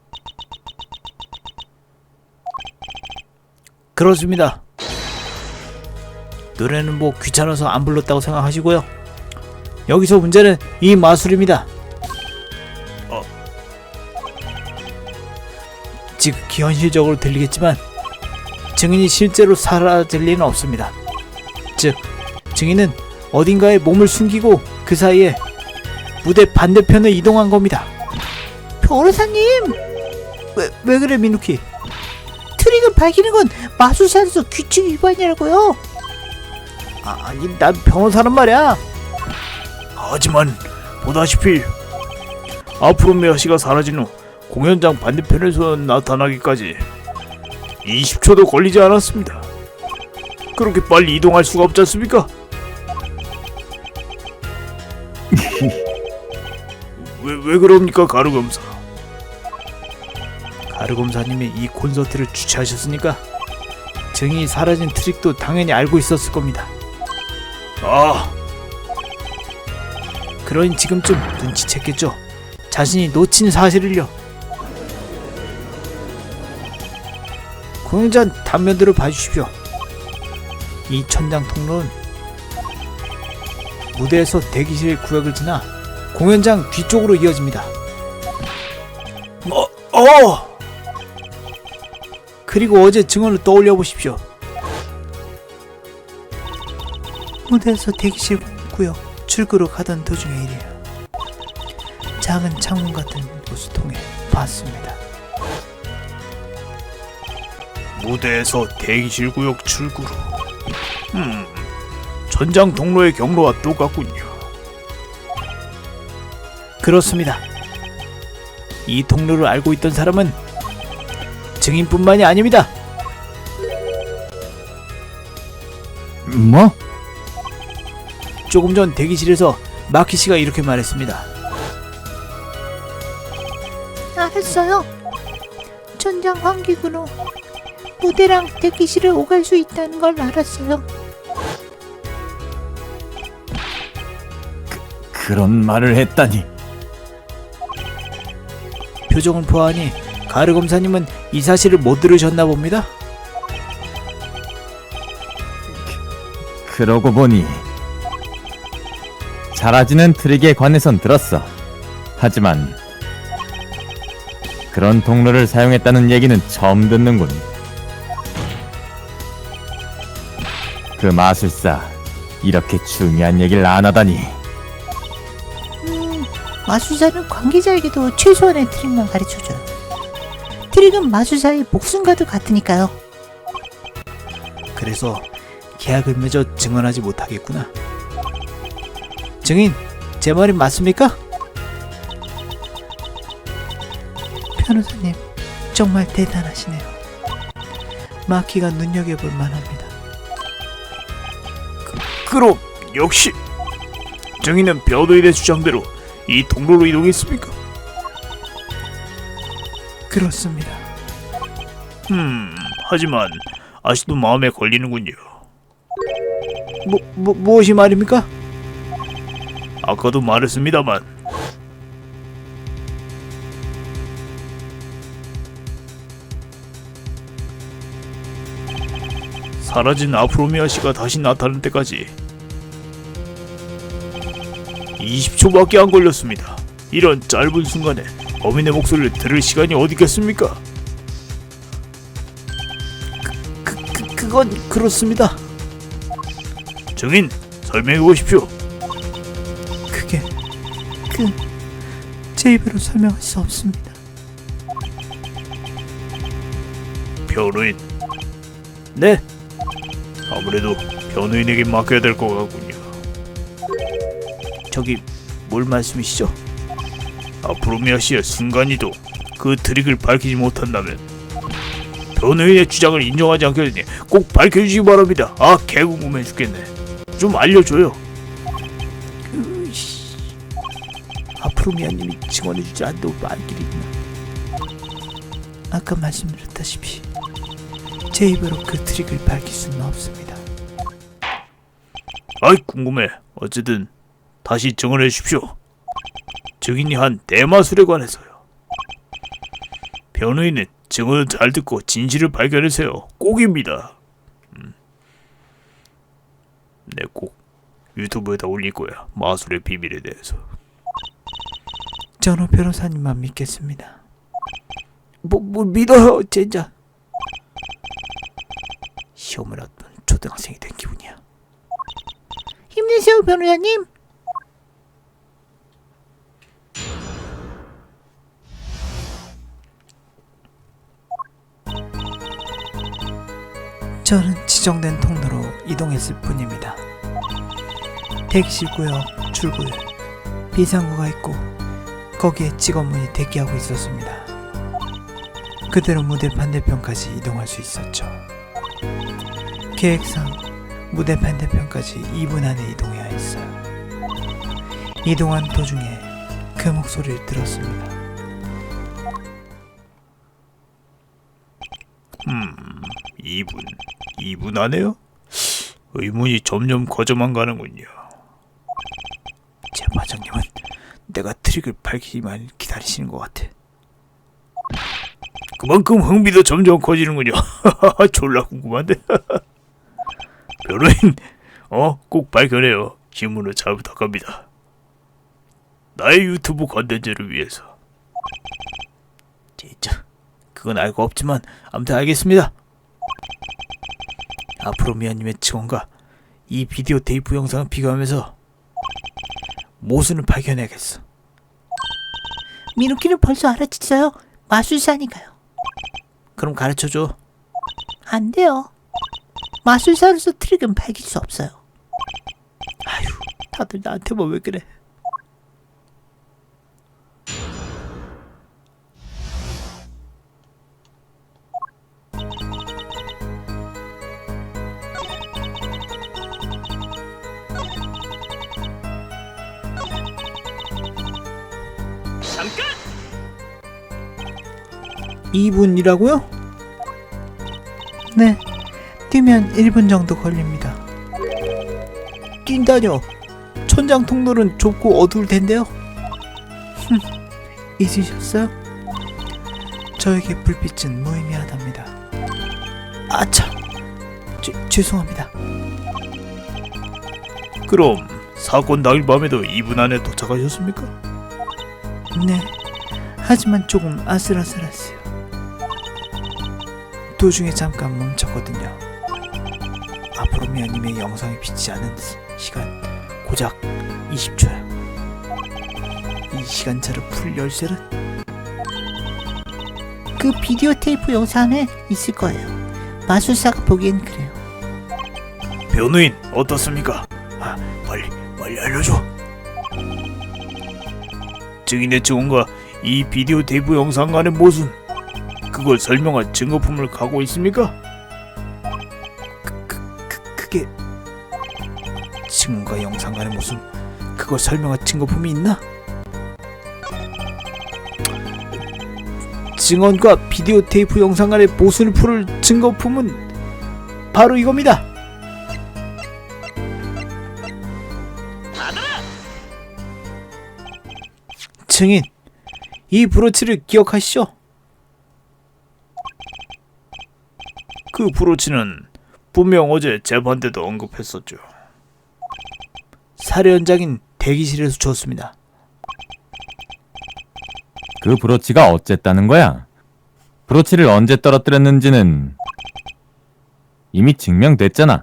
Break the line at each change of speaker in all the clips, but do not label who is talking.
그렇습니다. 노래는 뭐 귀찮아서 안 불렀다고 생각하시고요. 여기서 문제는 이 마술입니다. 지극히 현실적으로 들리겠지만 증인이 실제로 사라질 리는 없습니다. 즉, 증인은 어딘가에 몸을 숨기고 그 사이에 무대 반대편에 이동한 겁니다.
변호사님!
왜 그래, 미누키?
트릭을 밝히는 건 마술사에서 규칙 위반이라고요.
아니, 난 변호사란 말이야. 하지만 보다시피 아프로메아 씨가 사라진 후 공연장 반대편에서 나타나기까지 20초도 걸리지 않았습니다. 그렇게 빨리 이동할 수가 없지 않습니까? 왜 그럽니까, 가루검사? 가루검사님이 이 콘서트를 주최하셨으니까 증인이 사라진 트릭도 당연히 알고 있었을 겁니다. 그러니 지금쯤 눈치챘겠죠. 자신이 놓친 사실을요. 공연장 단면들을 봐주십시오. 이 천장 통로는 무대에서 대기실 구역을 지나 공연장 뒤쪽으로 이어집니다. 그리고 어제 증언을 떠올려 보십시오.
무대에서 대기실 구역 출구로 가던 도중의 일이에요. 작은 창문 같은 곳을 통해 봤습니다.
무대에서 대기실 구역 출구로. 전장 통로의 경로와 똑같군요. 그렇습니다. 이 통로를 알고 있던 사람은 증인뿐만이 아닙니다.
뭐?
조금 전 대기실에서 마키 씨가 이렇게 말했습니다.
알았어요. 천장 환기구로 무대랑 대기실을 오갈 수 있다는 걸 알았어요.
그런 말을 했다니.
표정을 보아하니 가르 검사님은 이 사실을 못 들으셨나 봅니다.
그러고 보니 사라지는 트릭에 관해선 들었어. 하지만 그런 통로를 사용했다는 얘기는 처음 듣는군. 그 마술사 이렇게 중요한 얘기를 안 하다니.
마술사는 관계자에게도 최소한의 트릭만 가르쳐줘요. 트릭은 마술사의 목숨과도 같으니까요.
그래서 계약을 맺어 증언하지 못하겠구나. 증인, 제 말이 맞습니까?
변호사님, 정말 대단하시네요. 마키가 눈여겨볼 만합니다.
그럼 역시 증인은 변호인의 주장대로 이 통로로 이동했습니까?
그렇습니다.
하지만 아직도 마음에 걸리는군요. 무엇이 말입니까? 아까도 말했습니다만 사라진 아프로미아 씨가 다시 나타날 때까지 20초밖에 안 걸렸습니다. 이런 짧은 순간에 범인의 목소리를 들을 시간이 어디 있겠습니까? 그건 그렇습니다. 증인, 설명해 보십시오.
그게 제 입으로 설명할 수 없습니다.
변호인. 네. 아무래도 변호인에게 맡겨야 될 것 같군요. 저기 뭘 말씀이시죠? 아프로미아 씨의 순간이동, 그 트릭을 밝히지 못한다면 변호인의 주장을 인정하지 않겠으니 꼭 밝혀주시기 바랍니다. 개궁금해 죽겠네. 좀 알려줘요.
아프로미아님이 증언해주지 않는다고 말길이구나. 아까 말씀드렸다시피 제 입으로 그 트릭을 밝힐 수는 없습니다.
궁금해. 어쨌든 다시 증언해 주십시오. 증인이 한 대마술에 관해서요. 변호인은 증언을 잘 듣고 진실을 발견하세요. 꼭입니다. 네, 꼭 유튜브에다 올릴 거야. 마술의 비밀에 대해서.
저는 변호사님만 믿겠습니다. 뭐 믿어요, 진짜. 시험을 앞둔 초등학생이 된 기분이야. 힘내세요, 변호사님. 저는 지정된 통로로 이동했을 뿐입니다. 대기실 구역, 출구에 비상구가 있고 거기에 직원분이 대기하고 있었습니다. 그대로 무대 반대편까지 이동할 수 있었죠. 계획상 무대 반대편까지 2분 안에 이동해야 했어요. 이동한 도중에 그 목소리를 들었습니다.
2분 안에요? 의문이 점점 커져만 가는군요.
제 과장님은 내가 트릭을 밝히기만 기다리시는 것 같아.
그만큼 흥미도 점점 커지는군요. 졸라 궁금한데. 변호인, 꼭 발견해요. 신문을 잘 부탁합니다. 나의 유튜브 컨텐츠를 위해서.
진짜 그건 알고 없지만 아무튼 알겠습니다. 앞으로 미아님의 직원과 이 비디오 테이프 영상을 비교하면서 모순을 발견해야겠어.
미누키는 벌써 알아챘어요. 마술사니까요.
그럼 가르쳐줘.
안 돼요. 마술사로서 트릭은 밝힐 수 없어요.
아휴, 다들 나한테만 왜 그래.
잠깐!
2분이라고요?
네, 뛰면 1분 정도 걸립니다.
뛴다뇨. 천장 통로는 좁고 어두울 텐데요.
잊으셨어요?
저에게 불빛은 무의미하답니다. 아차, 죄송합니다.
그럼 사건 당일 밤에도 2분 안에 도착하셨습니까?
네, 하지만 조금 아슬아슬했어요. 도중에 잠깐 멈췄거든요. 앞으로 미아님의 영상이 비치지 않은 시간 고작 20초야. 이 시간차를 풀 열쇠는
그 비디오 테이프 영상에 있을 거예요. 마술사가 보기엔 그래요.
변호인, 어떻습니까?
빨리 알려줘.
증인의 증언과 이 비디오 테이프 영상 간의 모순, 그걸 설명할 증거품을 갖고 있습니까?
그게 증언과 영상 간의 모순, 그걸 설명할 증거품이 있나? 증언과 비디오 테이프 영상 간의 모순을 풀을 증거품은 바로 이겁니다. 증인, 이 브로치를 기억하시죠?
그 브로치는 분명 어제 재판 때도 언급했었죠.
살해 현장인 대기실에서 주었습니다.
그 브로치가 어쨌다는 거야? 브로치를 언제 떨어뜨렸는지는 이미 증명됐잖아.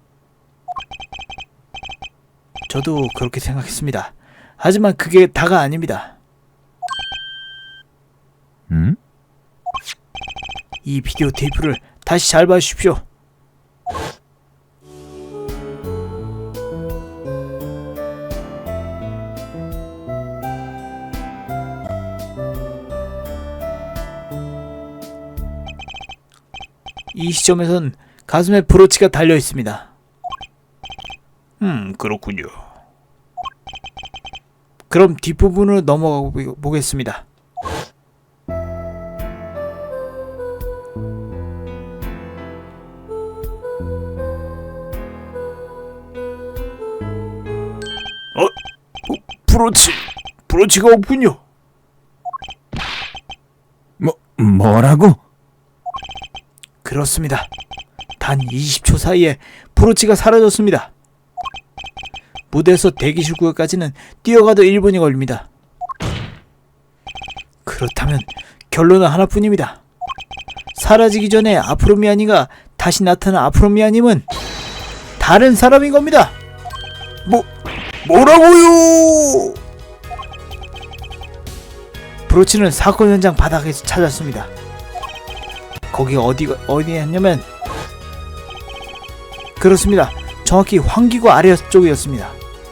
저도 그렇게 생각했습니다. 하지만 그게 다가 아닙니다.
응?
이 비디오 테이프를 다시 잘 봐주십시오. 이 시점에선 가슴에 브로치가 달려 있습니다.
그렇군요.
그럼 뒷부분으로 넘어가 보겠습니다.
브로치가 없군요.
뭐라고?
그렇습니다. 단 20초 사이에 브로치가 사라졌습니다. 무대에서 대기실 구역까지는 뛰어가도 1분이 걸립니다. 그렇다면 결론은 하나뿐입니다. 사라지기 전에 아프로미아니가 다시 나타난 아프로미아님은 다른 사람인 겁니다.
뭐라고요?
브로치는 사건 현장 바닥에서 찾았습니다. 거기가 어디였냐면 그렇습니다. 정확히 환기구 아래쪽이었습니다.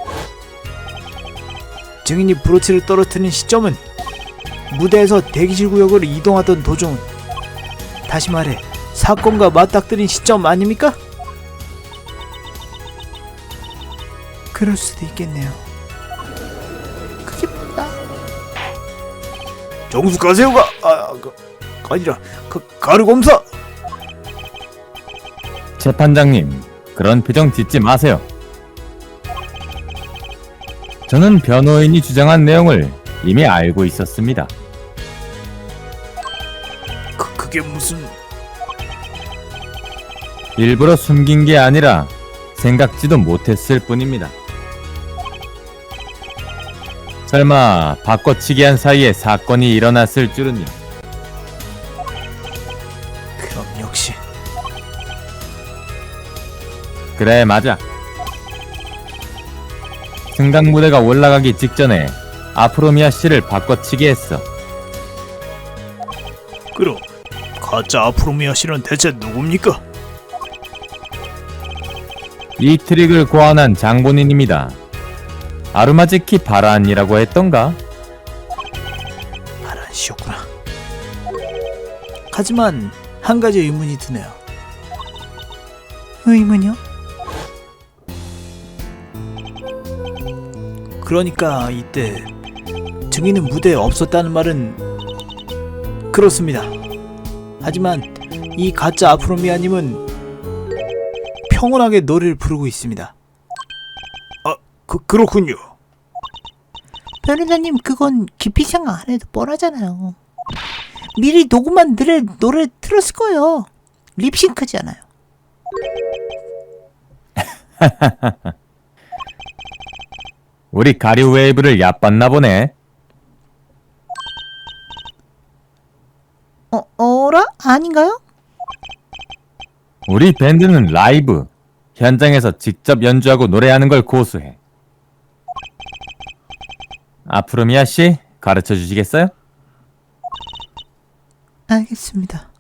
증인이 브로치를 떨어뜨린 시점은 무대에서 대기실 구역으로 이동하던 도중, 다시 말해 사건과 맞닥뜨린 시점 아닙니까? 그럴 수도 있겠네요.
그게 뭐야?
정수 가세요가 아니라 가루 검사.
재판장님, 그런 표정 짓지 마세요. 저는 변호인이 주장한 내용을 이미 알고 있었습니다.
그게 무슨?
일부러 숨긴 게 아니라 생각지도 못했을 뿐입니다. 설마 바꿔치기 한 사이에 사건이 일어났을 줄은요.
그럼 역시
그래, 맞아. 승강 무대가 올라가기 직전에 아프로미아 씨를 바꿔치기 했어.
그럼 가짜 아프로미아 씨는 대체 누굽니까?
이 트릭을 고안한 장본인입니다. 아르마지키 바란이라고 했던가?
바란 씨였구나. 하지만 한 가지 의문이 드네요.
의문이요?
그러니까 이때 증인은 무대에 없었다는 말은 그렇습니다. 하지만 이 가짜 아프로미아님은 평온하게 노래를 부르고 있습니다.
그렇군요.
변호사님, 그건 깊이 생각 안 해도 뻔하잖아요. 미리 녹음한 노래 틀었을 거예요. 립싱크잖아요.
우리 가류 웨이브를 얕봤나 보네.
어라? 아닌가요?
우리 밴드는 라이브, 현장에서 직접 연주하고 노래하는 걸 고수해. 아프로미아 씨, 가르쳐 주시겠어요?
알겠습니다.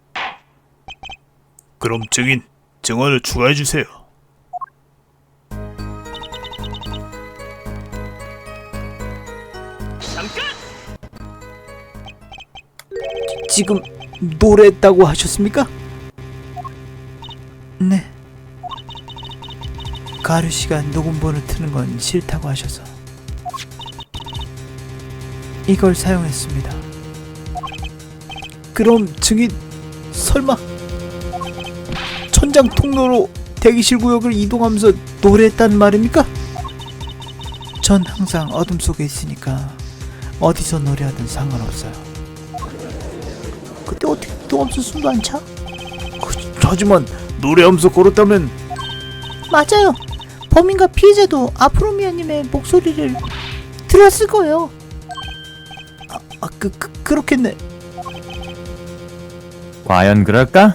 그럼 증인 증언을 추가해 주세요.
지금 노래했다고 하셨습니까?
네.
가루 씨가 녹음본을 트는 건 싫다고 하셔서 이걸 사용했습니다. 그럼 증인 설마 천장 통로로 대기실 구역을 이동하면서 노래했다는 말입니까? 전 항상 어둠 속에 있으니까 어디서 노래하든 상관없어요.
근데 어떻게 녹음서 숨도 안 차?
하지만 노래하면서 걸었다면
맞아요. 범인과 피해자도 아프로미아님의 목소리를 들었을 거예요.
그렇겠네.
과연 그럴까?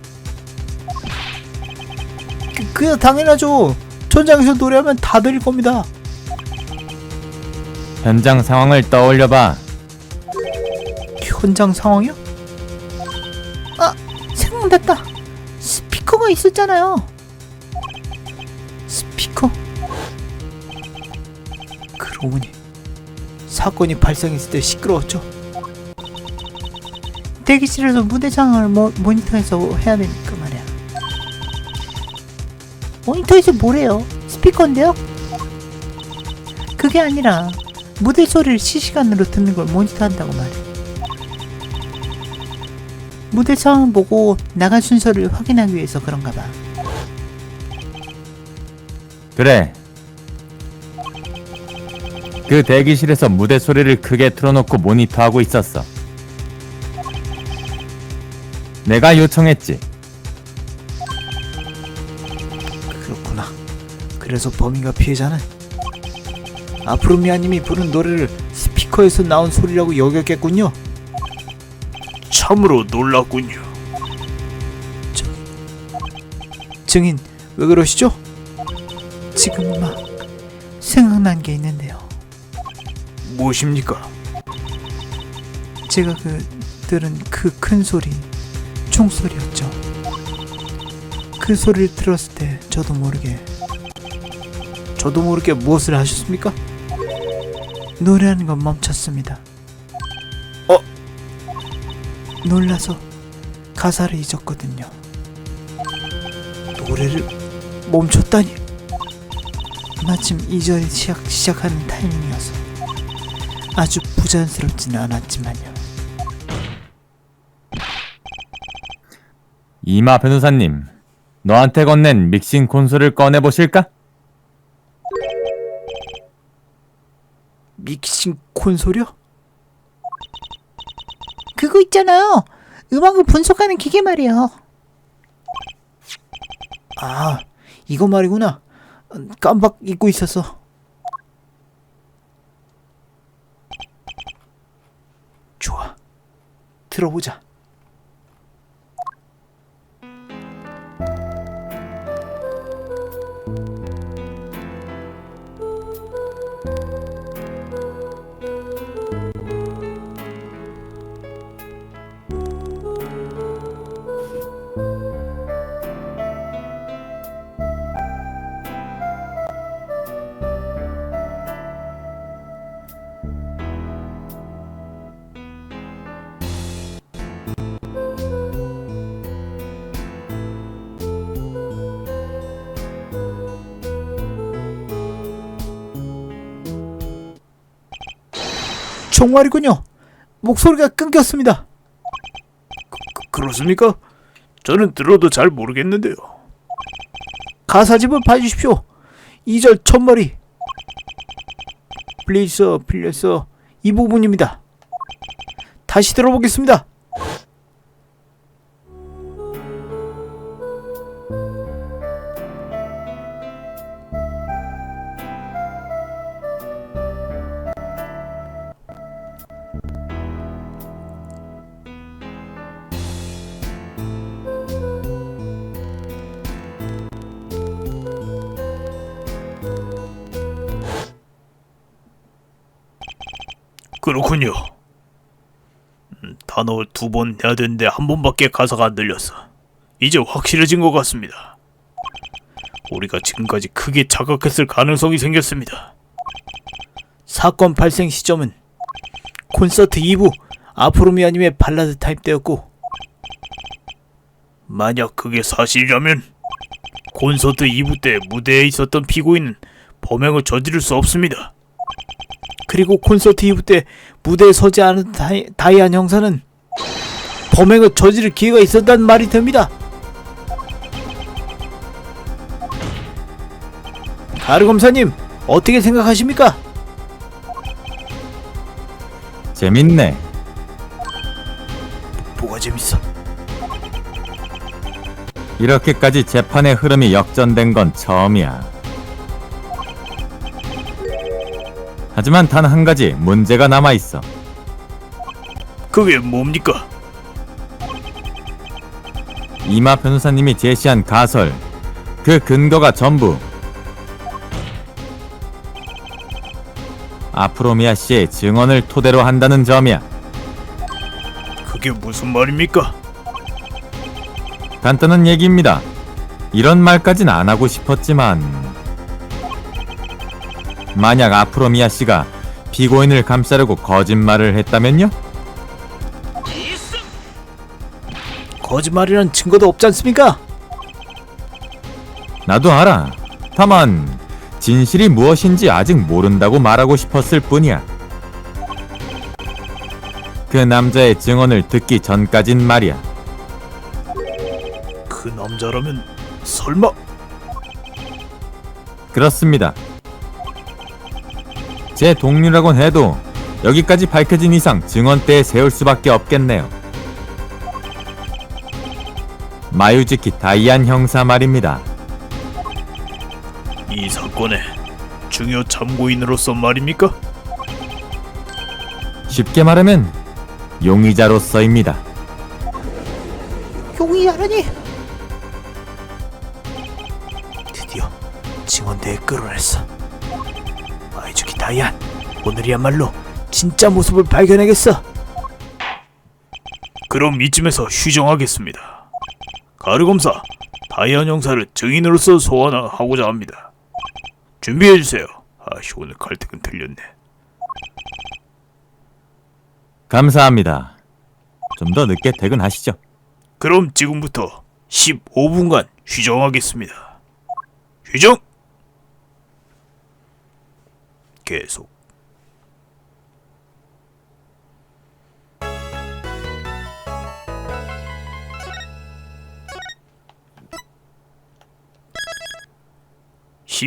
그냥 당연하죠. 전장에서 노래하면 다 들릴 겁니다.
현장 상황을 떠올려봐.
현장 상황이요?
생각났다. 스피커가 있었잖아요.
스피커? 그러고 보니 사건이 발생했을 때 시끄러웠죠.
대기실에서 무대 상황을 모니터에서 해야 되니까 말이야. 모니터에서 뭐래요? 스피커인데요? 그게 아니라 무대 소리를 실시간으로 듣는 걸 모니터한다고 말해. 무대 상황 보고 나간 순서를 확인하기 위해서 그런가 봐.
그래. 그 대기실에서 무대 소리를 크게 틀어놓고 모니터하고 있었어. 내가 요청했지.
그렇구나. 그래서 범인과 피해자는 아프로미아님이 부른 노래를 스피커에서 나온 소리라고 여겼겠군요.
참으로 놀랐군요.
증인, 왜 그러시죠?
지금 막 생각난 게 있는데요.
무엇입니까?
제가 들은 그 큰 소리, 총소리였죠. 그 소리를 들었을 때
저도 모르게 무엇을 하셨습니까?
노래하는 건 멈췄습니다. 놀라서 가사를 잊었거든요.
노래를 멈췄다니.
마침 2절이 시작하는 타이밍이어서 아주 부자연스럽지는 않았지만요.
이마 변호사님, 너한테 건넨 믹싱 콘솔을 꺼내보실까?
믹싱 콘솔이요?
그거 있잖아요. 음악을 분석하는 기계 말이에요.
아, 이거 말이구나. 깜빡 잊고 있었어. 좋아, 들어보자. 정말이군요. 목소리가 끊겼습니다.
그렇습니까? 저는 들어도 잘 모르겠는데요.
가사집을 봐주십시오. 2절 첫머리. 빌렸어, 빌렸어. 이 부분입니다. 다시 들어보겠습니다.
그렇군요. 단어 2번 해야 되는데 1번밖에 가사가 안 들렸어. 이제 확실해진 것 같습니다. 우리가 지금까지 크게 착각했을 가능성이 생겼습니다.
사건 발생 시점은 콘서트 2부 아프로미아님의 발라드 타임 때였고,
만약 그게 사실이라면 콘서트 2부 때 무대에 있었던 피고인은 범행을 저지를 수 없습니다.
그리고 콘서트 2부 때 무대에 서지 않은 다이안 형사는 범행을 저지를 기회가 있었다는 말이 됩니다. 가르 검사님, 어떻게 생각하십니까?
재밌네.
뭐가 재밌어?
이렇게까지 재판의 흐름이 역전된 건 처음이야. 하지만 단 한 가지 문제가 남아있어.
그게 뭡니까?
이마 변호사님이 제시한 가설, 그 근거가 전부 아프로미아 씨의 증언을 토대로 한다는 점이야.
그게 무슨 말입니까?
간단한 얘기입니다. 이런 말까진 안 하고 싶었지만 만약 아프로미아 씨가 피고인을 감싸려고 거짓말을 했다면요?
거짓말이란 증거도 없지 않습니까?
나도 알아. 다만 진실이 무엇인지 아직 모른다고 말하고 싶었을 뿐이야. 그 남자의 증언을 듣기 전까진 말이야.
그 남자라면 설마?
그렇습니다. 제 동료라곤 해도 여기까지 밝혀진 이상 증언대에 세울 수밖에 없겠네요. 마유즈키 다이안 형사 말입니다.
이 사건의 중요 참고인으로서 말입니까?
쉽게 말하면 용의자로서입니다.
용의자라니?
드디어 증언대에 끌어냈어. 마이주키 다이안, 오늘이야말로 진짜 모습을 발견하겠어.
그럼 이쯤에서 휴정하겠습니다. 가르 검사, 다이안 형사를 증인으로서 소환하고자 합니다. 준비해주세요. 아씨, 오늘 갈등은 틀렸네.
감사합니다. 좀 더 늦게 퇴근하시죠.
그럼 지금부터 15분간 휴정하겠습니다. 휴정! 계속.